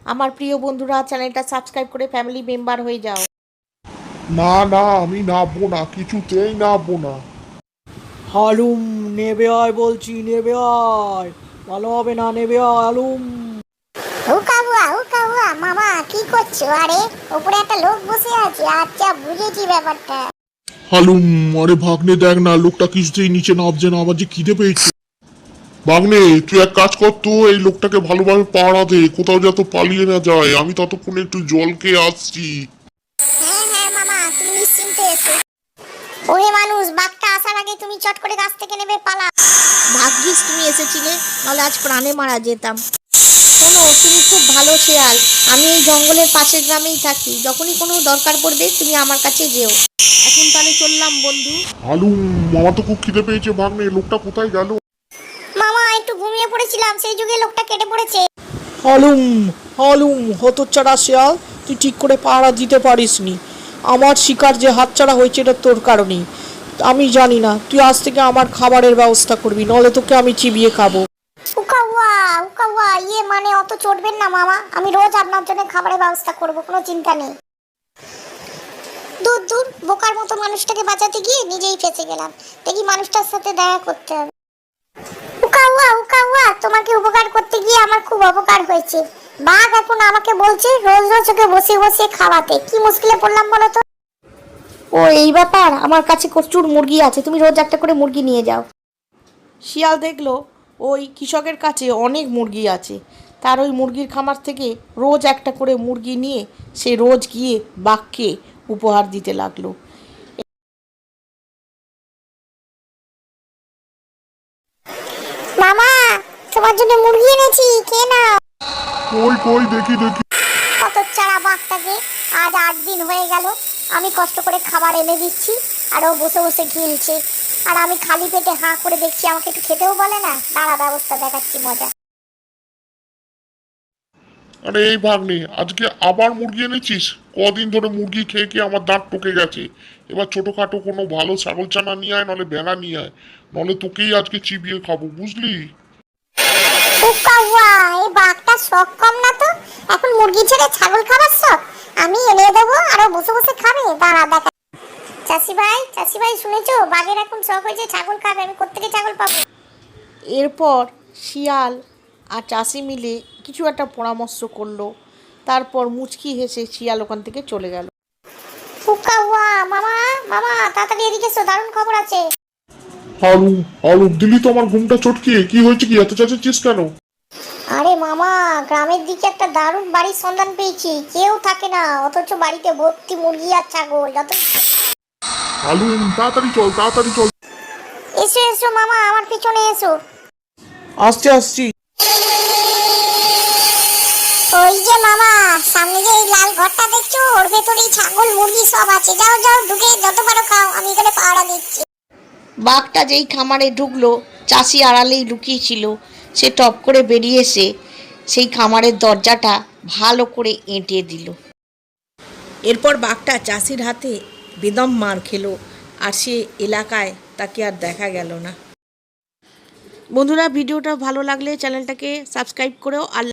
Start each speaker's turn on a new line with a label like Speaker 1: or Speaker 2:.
Speaker 1: আমার প্রিয় বন্ধুরা, চ্যানেলটা সাবস্ক্রাইব করে ফ্যামিলি মেম্বার হয়ে যাও।
Speaker 2: না না, আমি নাববো না, কিছুতেই নাববো না।
Speaker 3: হালুম, নেবে আয় বলছি, নেবে আয়। ভালো হবে না, নেবে আয় হালুম।
Speaker 4: হুকা হুয়া মামা কি করছো? আরে উপরে একটা লোক বসে আছে। আচ্ছা, বুঝেছি ব্যাপারটা।
Speaker 2: হালুম, আরে ভাগ্নে দেখ না, লোকটা কিছুতেই নিচে নামছে না, আবার যে খিদে পেয়েছে। ভাগ্নে, তুই এক কাজ কর তো, এই লোকটাকে ভালোভাবে পাড়া দে, কোথাও যাতে পালিয়ে না যায়। আমি ততক্ষণে একটু জল খেয়ে আসছি।
Speaker 4: হ্যাঁ মামা, তুমি নিশ্চিন্তে এসো। ওরে মানুষ, বাঘটা আসার আগে তুমি চট করে গাছ থেকে নেবে পালা।
Speaker 1: ভাগ্যিস তুমি এসেছিলে, নাহলে আজ প্রাণে মারা যেতাম। শোনো, তুমি খুব ভালো শেয়াল। আমি এই জঙ্গলের পাশের গ্রামেই থাকি। যখনই কোনো দরকার পড়বে তুমি আমার কাছে যেও। এখন তাহলে চললাম বন্ধু।
Speaker 2: হালুম, আমার তো খুব খিদে পেয়েছে। ভাগ্নে, লোকটা কোথায় গেল?
Speaker 4: মামা একটু ঘুমিয়ে পড়েছিলাম, সেই যুগে লোকটা কেটে পড়েছে।
Speaker 3: হালুম, হালুম, হতচ্ছাড়া শেয়াল, তুই ঠিক করে পাহারা দিতে পারিসনি। আমার শিকার যে হাতছাড়া হয়েছে এটা তোর কারণেই। আমি জানি না, তুই আজ থেকে আমার খাবারের ব্যবস্থা করবি, নলে তোকে আমি চিবিয়ে খাবো।
Speaker 4: উকা হুয়া ইয়ে মানে অত চটবেন না মামা, আমি রোজ আপনার জন্য খাবারের ব্যবস্থা করব, কোনো চিন্তা নেই। দূর দূর, বোকার মতো মানুষটাকে বাঁচাতে গিয়ে নিজেই ফেঁসে গেলাম। দেখি মানুষটার সাথে দেখা করতে হবে। উকা হুয়া, তোমাকে উপকার করতে গিয়ে আমার খুব অপকার হয়েছে। বাঘ এখন আমাকে বলছে রোজ রোজ ওকে বসিয়ে বসিয়ে খাওয়াতে। কি মুশকিলে পড়লাম বলো তো।
Speaker 1: ও এই ব্যাপার, আমার কাছে প্রচুর মুরগি আছে, তুমি রোজ একটা করে মুরগি নিয়ে যাও। শিয়াল দেখলো ওই কৃষকের কাছে অনেক মুরগি আছে, তার ওই মুরগির খামার থেকে রোজ একটা করে মুরগি নিয়ে সে রোজ গিয়ে বাঘকে উপহার দিতে লাগলো।
Speaker 4: মামা, তোমার জন্য মুরগি এনেছি, খেয়ে নাও।
Speaker 2: কই কই, দেখি দেখি।
Speaker 4: কত চারা বাঘটাকে, আজ 8 দিন হয়ে গেল আমি কষ্ট করে খাবার এনে দিচ্ছি, আর ও বসে বসে গিলছে। আর আমি খালি পেটে হাঁ করে দেখছি, আমাকে একটু খেতেও বলে না। দাঁড়া, ব্যবস্থা দেখাচ্ছি মজা।
Speaker 2: আরে এই ভাগ্নে, আজকে আবার মুরগি এনেছিস? কদিন ধরে মুরগি খেয়ে খেয়ে আমার দাঁত টকে গেছে। এবার ছোটখাটো কোনো ভালো ছাগল চানা নিয়ে আয়, নলে ভেড়া নিয়ে আয়, নলে তোকেই আজকে চিবিয়ে খাবো, বুঝলি?
Speaker 4: উকা, এই বাঘটা শখ কম না তো। এখন মুরগি ছেড়ে ছাগল খাবার শখ। আমি এনে দেবো, আর ও বসে বসে খাবে। দাঁড়া দেখা। চাষি ভাই শুনেছো, বাঘের এখন শখ হয়েছে ছাগল খাবে। আমি কোত্থেকে ছাগল পাবো?
Speaker 1: এরপর শিয়াল আর চাষি মিলে কিছু একটা পরামর্শ করলো। তারপর মুচকি হেসে শিয়াল ওখান থেকে চলে গেল।
Speaker 4: উকা, মামা মামা, তাড়াতাড়ি এদিকে এসো, দারুণ খবর আছে।
Speaker 2: হালু, হালু, দিলি তো আমার ঘুমটা চটকিয়ে। কি হয়েছে, কি এত চেঁচাচ্ছিস কেন?
Speaker 4: আরে মামা, গ্রামের দিকে একটা দারুণ বাড়ির সন্ধান পেয়েছি। কেউ থাকে না, অথচ বাড়িতে ভর্তি মুরগি আর ছাগল। যত
Speaker 2: হালু, তাড়াতাড়ি চল, তাড়াতাড়ি চল।
Speaker 4: এসো এসো মামা, আমার পিছনে এসো।
Speaker 3: আসছি আসছি।
Speaker 4: ওই যে মামা, সামনে যে এই লাল ঘরটা দেখছো, ওর ভেতরেই ছাগল মুরগি সব আছে। যাও যাও, ঢুকে যত পারো খাও, আমি এখানে পাহারা দিচ্ছি।
Speaker 1: বাঘটা যেই খামারে ঢুকলো, চাষি আড়ালেই লুকিয়েছিল। সে টপ করে বেরিয়ে এসে সেই খামারের দরজাটা ভালো করে এঁটে দিল। এরপর বাঘটা চাষির হাতে বেদম মার খেলো, আর সে এলাকায় তাকে আর দেখা গেল না। বন্ধুরা, ভিডিওটা ভালো লাগলে চ্যানেলটাকে সাবস্ক্রাইব করেও আর